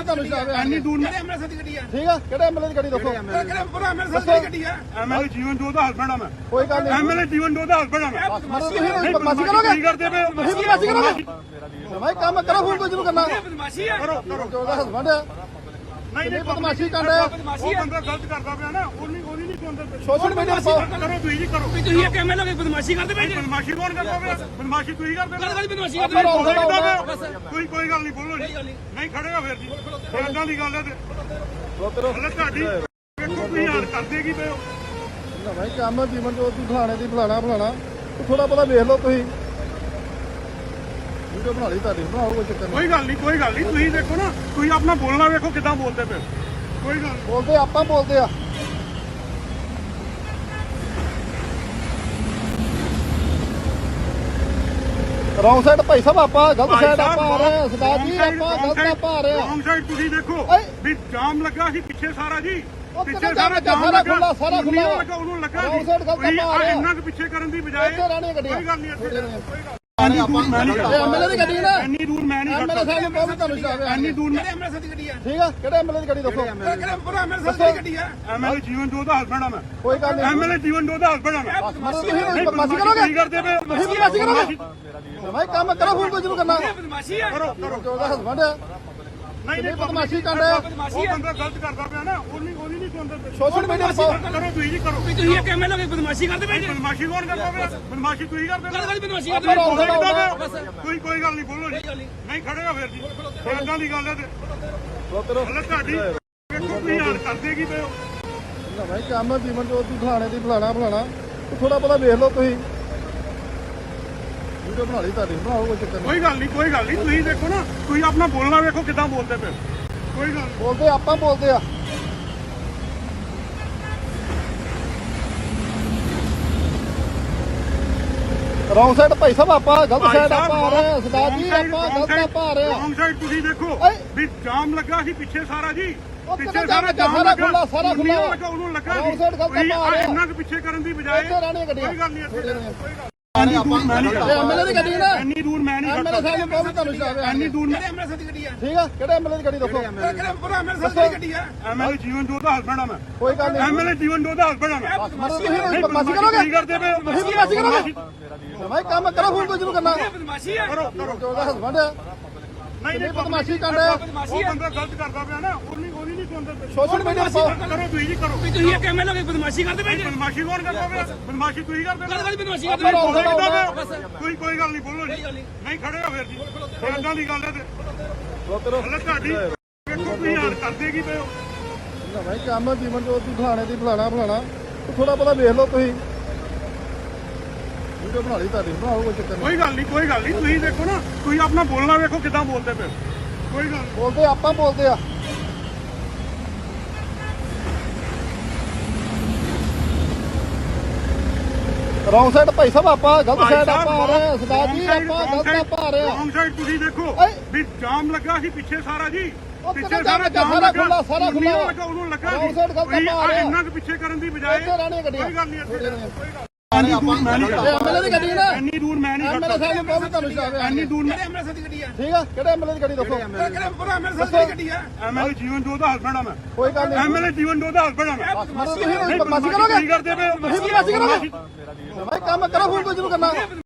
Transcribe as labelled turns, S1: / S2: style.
S1: ਤੁਹਾਨੂੰ ਸ਼ਰਾਬ
S2: ਇੰਨੀ ਦੂਰ
S3: ਐਮਐਲਏ ਦੀ ਗੱਡੀ ਆ
S1: ਠੀਕ ਆ ਕਿਹੜੇ ਐਮਐਲਏ ਦੀ ਗੱਡੀ ਦੱਸੋ
S3: ਕਿਹੜੇ ਪੂਰਾ ਐਮਐਲਏ ਦੀ ਗੱਡੀ ਆ
S2: ਐਮਐਲਏ ਜੀਵਨ ਜੋਤ ਦਾ ਹਸਬੈਂਡ ਆ ਮੈਂ
S1: ਕੋਈ ਗੱਲ ਨਹੀਂ
S2: ਐਮਐਲਏ ਜੀਵਨ ਜੋਤ ਦਾ ਹਸਬੈਂਡ ਆ ਮੈਂ
S1: ਤੁਸੀਂ ਬਦਮਾਸ਼ੀ ਕਰੋਗੇ
S2: ਕੀ ਕਰਦੇ ਪਏ ਹੋ
S1: ਤੁਸੀਂ ਬਦਮਾਸ਼ੀ ਕਰੋਗੇ ਭਾਈ ਕੰਮ ਕਰੋ ਫੋਨ ਤੋਂ ਜਿਹਨੂੰ ਕਰਨਾ
S3: ਬਦਮਾਸ਼ੀ ਆ
S2: ਕਰੋ ਕਰੋ
S1: ਜੋ ਦਾ ਹਸਬੰਡ ਆ
S2: ਨਹੀਂ ਨਹੀਂ
S1: ਬਦਮਾਸ਼ੀ ਕਰ ਰਿਹਾ
S2: ਉਹ ਬੰਦਾ ਗਲਤ ਕਰਦਾ ਪਿਆ ਨਾ ਉਹਨੀ ਨਹੀਂ ਸੁਣਦਾ
S1: ਸੋਸ਼ਲ ਮੀਡੀਆ ਤੇ ਪਾਓ
S2: ਕਰੋ ਤੁਸੀਂ ਜੀ ਕਰੋ
S3: ਤੁਸੀਂ ਇੱਕ ਐਮਐਲਏ ਬਦਮਾਸ਼ੀ ਕਰਦੇ ਪਏ ਜੀ
S2: ਬਦਮਾਸ਼ੀ ਕੌਣ ਕਰਦਾ ਪਿਆ ਬਦਮਾਸ਼ੀ ਤੁਸੀਂ ਕਰਦੇ
S3: ਕਾਹਦੀ ਬਦਮਾਸ਼ੀ
S2: ਹੋ
S3: ਕਰਦੇ
S2: ਕੋਈ ਗੱਲ ਨਹੀਂ ਬੋਲੋ ਜੀ ਨਹੀਂ ਖੜੇ ਹੋ ਫਿਰ ਜੀ ਇਦਾਂ ਦੀ ਗੱਲ ਹੈ ਤੇ ਹਲੇ ਤੁਹਾਡੀ ਵੇਖੋ ਤੁਸੀਂ ਹਾਲ ਕਰਦੇ ਕੀ ਪਏ ਹੋ
S1: ਨਾ ਭਾਈ ਕੰਮ ਜੀਵਨ ਜੋਤ ਦੀ ਫਲਾਣੇ ਦੀ ਫਲਾਣਾ ਥੋੜਾ ਬਹੁਤਾ ਵੇਖ ਲਓ ਤੁਸੀਂ ਵੀਡੀਓ ਬਣਾ ਲਈ ਤੁਹਾਡੀ ਬਣਾਓ ਕੋਈ ਚੱਕਰ ਨਹੀਂ
S2: ਕੋਈ ਗੱਲ ਨਹੀਂ ਤੁਸੀਂ ਦੇਖੋ ਨਾ ਤੁਸੀਂ ਆਪਣਾ ਬੋਲਣਾ ਵੇਖੋ ਕਿੱਦਾਂ ਬੋਲਦੇ ਪਏ ਕੋਈ ਗੱਲ
S1: ਬੋਲਦੇ ਆਪਾਂ ਬੋਲਦੇ ਆ ਰੌਂਗ ਸਾਈਡ ਭਾਈ ਸਾਹਿਬ ਆਪਾਂ ਗਲਤ ਸਾਈਡ ਆਪਾਂ ਆ ਰਹੇ ਹਾਂ ਸਰਦਾਰ ਜੀ ਆਪਾਂ ਗਲਤ ਆਪਾਂ ਆ ਰਹੇ ਹਾਂ
S2: ਰੌਂਗ ਸਾਈਡ ਤੁਸੀਂ ਦੇਖੋ ਵੀ ਜਾਮ ਲੱਗਾ ਸੀ ਪਿੱਛੇ ਸਾਰਾ ਜੀ
S1: ਪਿੱਛੇ ਸਾਰਾ ਖੁੱਲਾ ਸਾਰਾ ਖੁੱਲਾ
S2: ਉਹਨੂੰ ਲੱਗਾ
S1: ਰੌਂਗ ਸਾਈਡ ਗਲਤ ਆਪਾਂ ਆ ਰਹੇ
S2: ਇੰਨਾ ਕੁ ਪਿੱਛੇ ਕਰਨ ਦੀ ਬਜਾਏ
S1: ਇੱਥੇ ਰਹਿਣੀਆਂ ਗੱਡੀਆਂ
S2: ਕੋਈ ਗੱਲ ਨਹੀਂ ਇੱਥੇ ਕੋਈ ਗੱਲ
S1: ਐਮਐਲਏ ਦੀ ਗੱਡੀ ਨਾ
S2: ਇੰਨੀ ਦੂਰ ਮੈਂ ਨਹੀਂ
S1: ਐਮਐਲਏ ਸਾਹਿਬ ਨੂੰ ਕਹੋ ਤੁਹਾਨੂੰ ਸ਼ਰਾਬ
S2: ਇੰਨੀ ਦੂਰ
S3: ਐਮਐਲਏ ਦੀ ਗੱਡੀ ਆ
S1: ਠੀਕ ਆ ਕਿਹੜੇ ਐਮਐਲਏ ਦੀ ਗੱਡੀ ਦੱਸੋ
S3: ਕਿਹੜੇ ਪੂਰਾ ਐਮਐਲਏ ਦੀ ਗੱਡੀ ਆ
S2: ਐਮਐਲਏ ਜੀਵਨ ਜੋਤ ਦਾ ਹਸਬੈਂਡ ਆ ਮੈਂ
S1: ਕੋਈ ਗੱਲ ਨਹੀਂ
S2: ਐਮਐਲਏ ਜੀਵਨ ਜੋਤ ਦਾ ਹਸਬੈਂਡ ਆ ਮੈਂ
S1: ਤੁਸੀਂ ਬਦਮਾਸ਼ੀ ਕਰੋਗੇ
S2: ਕੀ ਕਰਦੇ ਪਏ
S1: ਤੁਸੀਂ ਬਦਮਾਸ਼ੀ ਕਰੋਗੇ ਭਾਈ ਕੰਮ ਕਰੋ ਫੋਨ ਤੋਂ ਜਿਹਨੂੰ ਕਰਨਾ
S3: ਬਦਮਾਸ਼ੀ ਆ
S2: ਕਰੋ ਕਰੋ
S1: ਜੋ ਦਾ ਹਸਬੰਡ ਆ
S2: ਨਹੀਂ
S1: ਬਦਮਾਸ਼ੀ ਕਰ ਰਿਹਾ
S2: ਉਹ ਬੰਦਾ ਗਲਤ ਕਰਦਾ ਪਿਆ ਨਾ ਉਹਨੀ ਨਹੀਂ ਸੁਣਦਾ
S1: ਸੋਸ਼ਲ ਮੀਡੀਆ ਤੇ ਪਾਓ
S2: ਕਰੋ ਤੁਸੀਂ ਜੀ ਕਰੋ
S3: ਤੁਸੀਂ ਇੱਕ ਐਮਐਲਏ ਬਦਮਾਸ਼ੀ ਕਰਦੇ ਪਏ ਜੀ
S2: ਬਦਮਾਸ਼ੀ ਕੌਣ ਕਰਦਾ ਪਿਆ ਬਦਮਾਸ਼ੀ ਤੁਸੀਂ ਕਰਦੇ
S3: ਕਾਹਦੀ ਬਦਮਾਸ਼ੀ
S1: ਆਪਾਂ
S3: ਕਰਦੇ
S1: ਰੌਂਗ ਸਾਈਡ ਆਉਂਦਾ
S2: ਕੋਈ ਗੱਲ ਨਹੀਂ ਬੋਲੋ ਜੀ ਨਹੀਂ ਖੜੇ ਹੋ ਫਿਰ ਜੀ ਇਦਾਂ ਦੀ ਗੱਲ ਹੈ ਤੇ ਹਲੇ ਤੁਹਾਡੀ ਵੇਖੋ ਤੁਸੀਂ ਹਾਲ ਕਰਦੇ ਕੀ ਪਏ ਹੋ
S1: ਨਾ ਭਾਈ ਕੰਮ ਜੀਵਨ ਜੋਤ ਦੀ ਫਲਾਣੇ ਦੀ ਫਲਾਣਾ ਥੋੜਾ ਬਹੁਤਾ ਵੇਖ ਲਓ ਤੁਸੀਂ ਵੀਡੀਓ ਬਣਾ ਲਈ ਤੁਹਾਡੀ ਬਣਾਓ ਕੋਈ ਚੱਕਰ ਨਹੀਂ
S2: ਕੋਈ ਗੱਲ ਨਹੀਂ ਤੁਸੀਂ ਦੇਖੋ ਨਾ ਤੁਸੀਂ ਆਪਣਾ ਬੋਲਣਾ ਵੇਖੋ ਕਿੱਦਾਂ ਬੋਲਦੇ ਪਏ ਕੋਈ ਗੱਲ
S1: ਬੋਲਦੇ ਆਪਾਂ ਬੋਲਦੇ ਆ ਰੌਂਗ ਸਾਈਡ ਭਾਈ ਸਾਹਿਬ ਆਪਾਂ ਗਲਤ ਸਾਈਡ ਆਪਾਂ ਆ ਰਹੇ ਹਾਂ ਸਰਦਾਰ ਜੀ ਆਪਾਂ ਗਲਤ ਆਪਾਂ ਆ ਰਹੇ ਹਾਂ
S2: ਰੌਂਗ ਸਾਈਡ ਤੁਸੀਂ ਦੇਖੋ ਵੀ ਜਾਮ ਲੱਗਾ ਸੀ ਪਿੱਛੇ ਸਾਰਾ ਜੀ ਪਿੱਛੇ
S1: ਸਾਰਾ ਖੁੱਲਾ ਸਾਰਾ ਖੁੱਲਾ
S2: ਉਹਨੂੰ ਲੱਗਾ
S1: ਰੌਂਗ ਸਾਈਡ ਗਲਤ ਆਪਾਂ ਆ ਰਹੇ
S2: ਇੰਨਾ ਕੁ ਪਿੱਛੇ ਕਰਨ ਦੀ ਬਜਾਏ
S1: ਇੱਥੇ ਰਹਿਣੀਆਂ ਗੱਡੀਆਂ
S2: ਕੋਈ ਗੱਲ ਨਹੀਂ ਇੱਥੇ ਕੋਈ ਗੱਲ
S1: ਐਮਐਲਏ ਦੀ ਗੱਡੀ ਨਾ
S2: ਇੰਨੀ ਦੂਰ ਮੈਂ ਨਹੀਂ
S1: ਐਮਐਲਏ ਸਾਹਿਬ ਨੂੰ ਕਹੋ ਤੁਹਾਨੂੰ ਸ਼ਰਾਬ
S2: ਇੰਨੀ ਦੂਰ
S3: ਐਮਐਲਏ ਦੀ ਗੱਡੀ ਆ
S1: ਠੀਕ ਆ ਕਿਹੜੇ ਐਮਐਲਏ ਦੀ ਗੱਡੀ ਦੱਸੋ
S3: ਕਿਹੜੇ ਪੂਰਾ ਐਮਐਲਏ ਦੀ ਗੱਡੀ ਆ
S2: ਐਮਐਲਏ ਜੀਵਨ ਜੋਤ ਦਾ ਹਸਬੈਂਡ ਆ ਮੈਂ
S1: ਕੋਈ ਗੱਲ ਨਹੀਂ
S2: ਐਮਐਲਏ ਜੀਵਨ ਜੋਤ ਦਾ ਹਸਬੈਂਡ ਆ ਮੈਂ
S1: ਤੁਸੀਂ ਬਦਮਾਸ਼ੀ ਕਰੋਗੇ
S2: ਕੀ ਕਰਦੇ ਪਏ
S1: ਤੁਸੀਂ ਬਦਮਾਸ਼ੀ ਕਰੋਗੇ ਭਾਈ ਕੰਮ ਕਰੋ ਫੋਨ ਤੋਂ ਜਿਹਨੂੰ ਕਰਨਾ
S3: ਬਦਮਾਸ਼ੀ ਆ
S2: ਕਰੋ ਕਰੋ
S1: ਜੋ ਦਾ ਹਸਬੰਡ ਆ
S2: ਨਹੀਂ
S1: ਬਦਮਾਸ਼ੀ ਕਰ ਰਿਹਾ
S2: ਉਹ ਬੰਦਾ ਗਲਤ ਕਰਦਾ ਪਿਆ ਨਾ ਉਹਨੀ ਨਹੀਂ ਸੁਣਦਾ
S1: ਸੋਸ਼ਲ ਮੀਡੀਆ ਤੇ ਪਾਓ
S2: ਕਰੋ ਤੁਸੀਂ ਜੀ ਕਰੋ
S3: ਤੁਸੀਂ ਇੱਕ ਐਮਐਲਏ ਬਦਮਾਸ਼ੀ ਕਰਦੇ ਪਏ ਜੀ
S2: ਬਦਮਾਸ਼ੀ ਕੌਣ ਕਰਦਾ ਪਿਆ ਬਦਮਾਸ਼ੀ ਤੁਸੀਂ ਕਰਦੇ
S3: ਕਾਹਦੀ ਬਦਮਾਸ਼ੀ
S1: ਆਪਾਂ ਰੌਂਗ ਸਾਈਡ ਆਉਂਦਾ
S2: ਕੋਈ ਗੱਲ ਨਹੀਂ ਬੋਲੋ ਜੀ ਨਹੀਂ ਖੜੇ ਹੋ ਫਿਰ ਜੀ ਇਦਾਂ ਦੀ ਗੱਲ ਹੈ ਤੇ ਹਲੇ ਤੁਹਾਡੀ ਵੇਖੋ ਤੁਸੀਂ ਹਾਲ ਕਰਦੇ ਕੀ ਪਏ ਹੋ
S1: ਨਾ ਭਾਈ ਕੰਮ ਜੀਵਨ ਜੋਤ ਦੀ ਫਲਾਣੇ ਦੀ ਫਲਾਣਾ ਥੋੜਾ ਬਹੁਤਾ ਵੇਖ ਲਓ ਤੁਸੀਂ ਵੀਡੀਓ ਬਣਾ ਲਈ ਤੁਹਾਡੀ ਬਣਾਓ ਕੋਈ ਚੱਕਰ ਨਹੀਂ
S2: ਕੋਈ ਗੱਲ ਨਹੀਂ ਤੁਸੀਂ ਦੇਖੋ ਨਾ ਤੁਸੀਂ ਆਪਣਾ ਬੋਲਣਾ ਵੇਖੋ ਕਿੱਦਾਂ ਬੋਲਦੇ ਪਏ ਕੋਈ ਗੱਲ
S1: ਬੋਲਦੇ ਆਪਾਂ ਬੋਲਦੇ ਆ ਰੌਂਗ ਸਾਈਡ ਭਾਈ ਸਾਹਿਬ ਆਪਾਂ ਗਲਤ ਸਾਈਡ ਆਪਾਂ ਆ ਰਹੇ ਹਾਂ ਸਰਦਾਰ ਜੀ ਆਪਾਂ ਗਲਤ ਆਪਾਂ ਆ ਰਹੇ ਹਾਂ
S2: ਰੌਂਗ ਸਾਈਡ ਤੁਸੀਂ ਦੇਖੋ ਵੀ ਜਾਮ ਲੱਗਾ ਸੀ ਪਿੱਛੇ ਸਾਰਾ ਜੀ ਪਿੱਛੇ
S1: ਸਾਰਾ ਖੁੱਲਾ ਸਾਰਾ ਖੁੱਲਾ
S2: ਉਹਨੂੰ ਲੱਗਾ
S1: ਰੌਂਗ ਸਾਈਡ ਗਲਤ ਆਪਾਂ ਆ ਰਹੇ
S2: ਇੰਨਾ ਕੁ ਪਿੱਛੇ ਕਰਨ ਦੀ ਬਜਾਏ
S1: ਇੱਥੇ ਰਹਿਣੀਆਂ ਗੱਡੀਆਂ
S2: ਕੋਈ ਗੱਲ ਨਹੀਂ ਇੱਥੇ ਕੋਈ ਗੱਲ
S1: ਐਮਐਲਏ ਦੀ ਗੱਡੀ ਨਾ
S2: ਇੰਨੀ ਦੂਰ ਮੈਂ ਨਹੀਂ
S1: ਐਮਐਲਏ ਸਾਹਿਬ ਨੂੰ ਕਹੋ ਤੁਹਾਨੂੰ ਸ਼ਰਾਬ
S2: ਇੰਨੀ ਦੂਰ
S3: ਐਮਐਲਏ ਦੀ ਗੱਡੀ ਆ
S1: ਠੀਕ ਆ ਕਿਹੜੇ ਐਮਐਲਏ ਦੀ ਗੱਡੀ ਦੱਸੋ
S3: ਕਿਹੜੇ ਪੂਰਾ ਐਮਐਲਏ ਦੀ ਗੱਡੀ ਆ
S2: ਐਮਐਲਏ ਜੀਵਨ ਜੋਤ ਦਾ ਹਸਬੈਂਡ ਆ ਮੈਂ
S1: ਕੋਈ ਗੱਲ ਨਹੀਂ
S2: ਐਮਐਲਏ ਜੀਵਨ ਜੋਤ ਦਾ ਹਸਬੈਂਡ ਆ ਮੈਂ
S1: ਤੁਸੀਂ ਬਦਮਾਸ਼ੀ ਕਰੋਗੇ
S2: ਕੀ ਕਰਦੇ ਪਏ
S1: ਤੁਸੀਂ ਬਦਮਾਸ਼ੀ ਕਰੋਗੇ ਭਾਈ ਕੰਮ ਕਰੋ ਫੋਨ ਤੋਂ ਜਿਹਨੂੰ ਕਰਨਾ